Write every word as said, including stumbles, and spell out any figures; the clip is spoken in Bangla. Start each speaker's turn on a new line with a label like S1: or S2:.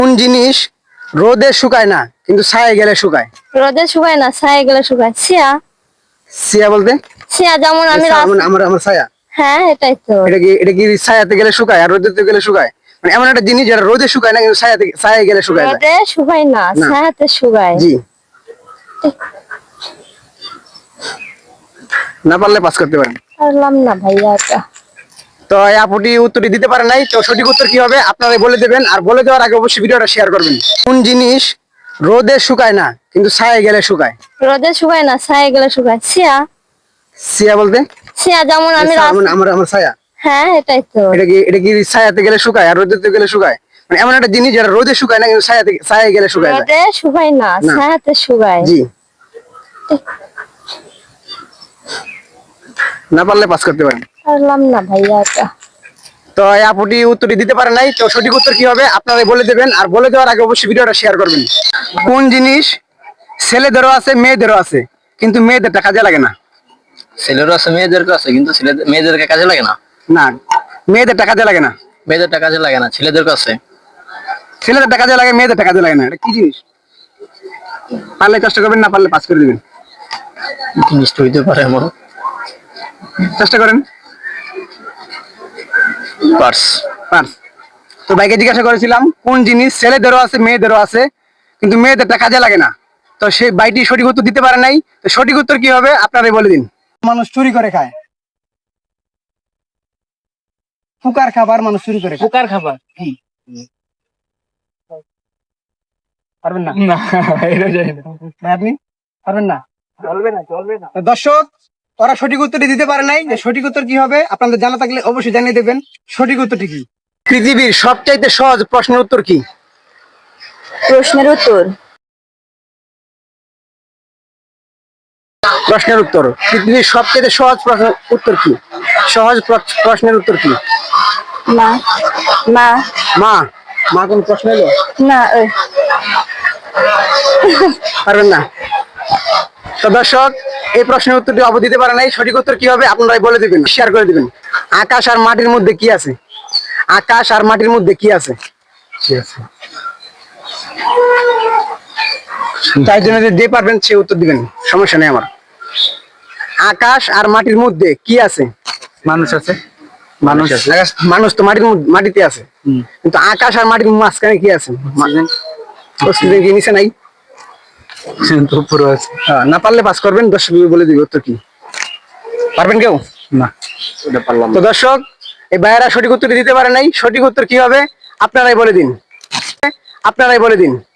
S1: কোন জিনিস রোদে শুকায় না কিন্তু ছায়ে গেলে শুকায়?
S2: রোদে শুকায় না, ছায়া গেলে শুকায়। ছিয়া।
S1: ছায়া বলতে?
S2: ছিয়া যেমন আমি
S1: ছায়া
S2: রাস-
S1: মানে আমার আমার ছায়া।
S2: হ্যাঁ এটাই তো।
S1: এটা কি এটা কি ছায়াতে গেলে শুকায় আর রোদেতে গেলে শুকায়? মানে এমন একটা জিনিস যেটা রোদে শুকায় না কিন্তু ছায়াতে ছায়ে গেলে শুকায় যায়।
S2: রোদে শুকায় না,
S1: না।
S2: ছায়াতে শুকায়।
S1: জি, না পারলে পাস করতে পারেন।
S2: পারলাম না ভাইয়া এটা।
S1: তো এই আপুটি উত্তরটি দিতে পারে নাই, তো সঠিক উত্তর কি হবে আপনারাই বলে দেবেন, আর বলে দেওয়ার আগে অবশ্যই ভিডিওটা শেয়ার করবেন। কোন জিনিস রোদে শুকায় না কিন্তু ছায়ে গেলে শুকায়?
S2: রোদে শুকায় না, ছায়া গেলে শুকায়। ছিয়া।
S1: ছায়া বলতে?
S2: ছিয়া যেমন আমি
S1: ছায়া
S2: রাস-
S1: মানে আমার আমার ছায়া।
S2: হ্যাঁ এটাই তো।
S1: এটা কি এটা কি ছায়াতে গেলে শুকায় আর রোদেতে গেলে শুকায়? মানে এমন একটা জিনিস যেটা রোদে শুকায় না কিন্তু ছায়াতে ছায়ে গেলে শুকায় যায়।
S2: রোদে শুকায় না,
S1: না।
S2: ছায়াতে শুকায়।
S1: জি, না পারলে পাস করতে পারেন।
S2: পারলাম না ভাইয়া এটা।
S1: তো এই আপুটি উত্তরটি দিতে পারে নাই, তো সঠিক উত্তর কি হবে আপনারাই বলে দেবেন, আর বলে দেওয়ার আগে অবশ্যই ভিডিওটা শেয়ার করবেন। কোন জিনিস ছেলেদেরও আছে মেয়েদেরও আছে কিন্তু মেয়েদেরটা কাজে লাগে না?
S3: ছেলেরও আছে মেয়েদেরকে আছে, কিন্তু ছেলেদের মেয়েদেরকে কাজে লাগে না।
S1: না, মেয়েদেরটা কাজে লাগে না।
S3: মেয়েদেরটা কাজে লাগে না, ছেলেদেরকে আছে।
S1: ছেলেদেরটা কাজে লাগে, মেয়েদেরটা কাজে লাগে না, এটা কি জিনিস? পারলে চেষ্টা করবেন, না পারলে পাস করে দিবেন।
S3: জিনিসটা হইতে পারে এমন।
S1: চেষ্টা করেন।
S3: পার্স।
S1: পার্স। তো ভাইকে জিজ্ঞাসা করেছিলাম কোন জিনিস ছেলেদেরও আছে মেয়েদেরও আছে কিন্তু মেয়েদেরটা কাজে লাগে না, তো সেই ভাইটি সঠিক উত্তর দিতে পারে নাই, তো সঠিক উত্তর কি হবে আপনারাই বলে দিন। মানুষ চুরি করে খায়। ফুকার খাবার মানুষ চুরি করে খায়।
S4: পোকার খাবার।
S1: পারবেন না?
S4: না এটা জানি না।
S1: ভাই আপনি পারবেন না?
S4: চলবে না, চলবে না।
S1: তো দর্শক, ওরা সঠিক উত্তরটি দিতে পারে নাই, যে সঠিক উত্তর কি হবে আপনাদের জানা থাকলে অবশ্যই জানিয়ে দেবেন। সঠিক উত্তরটি কি? পৃথিবীর সবচাইতে সহজ প্রশ্নের উত্তর কি?
S2: প্রশ্নের উত্তর।
S1: প্রশ্নের উত্তর পৃথিবীর সবচেয়ে সহজ প্রশ্নের উত্তর কি? সহজ প্র- প্রশ্নের উত্তর কি?
S2: মা। মা।
S1: মা। মা কোন প্রশ্ন এলো?
S2: না ওই।
S1: পারবেন না? তো দর্শক, এই প্রশ্নের উত্তরটি অব দিতে পারে নাই, সঠিক উত্তর কি হবে আপনারাই বলে দিবেন, শেয়ার করে দিবেন। আকাশ আর মাটির মধ্যে কি আছে? আকাশ আর মাটির মধ্যে কি আছে?
S3: কি আছে?
S1: তাই জন্য যে যে পারবেন সে উত্তর দিবেন, সমস্যা নেই আমার। আকাশ আর মাটির মধ্যে কি আছে?
S4: মানুষ আছে।
S1: মানুষ আছে। মানুষ তো মাটির মধ্যে- মাটিতে আছে, কিন্তু আকাশ আর মাটির মাঝখানে কি আছে? অক্সিজেন কি নিচে নাই?
S4: তো উপরে আছে।
S1: হ্যাঁ, না পারলে পাস করবেন, দর্শক বলে দিবে উত্তর কি। পারবেন কেউ?
S4: না এটা পারলাম
S1: তো
S4: না।
S1: দর্শক, এই ভাইয়েরা সঠিক উত্তর দিতে পারে নাই, সঠিক উত্তর কি হবে আপনারাই বলে দিন, আপনারাই বলে দিন।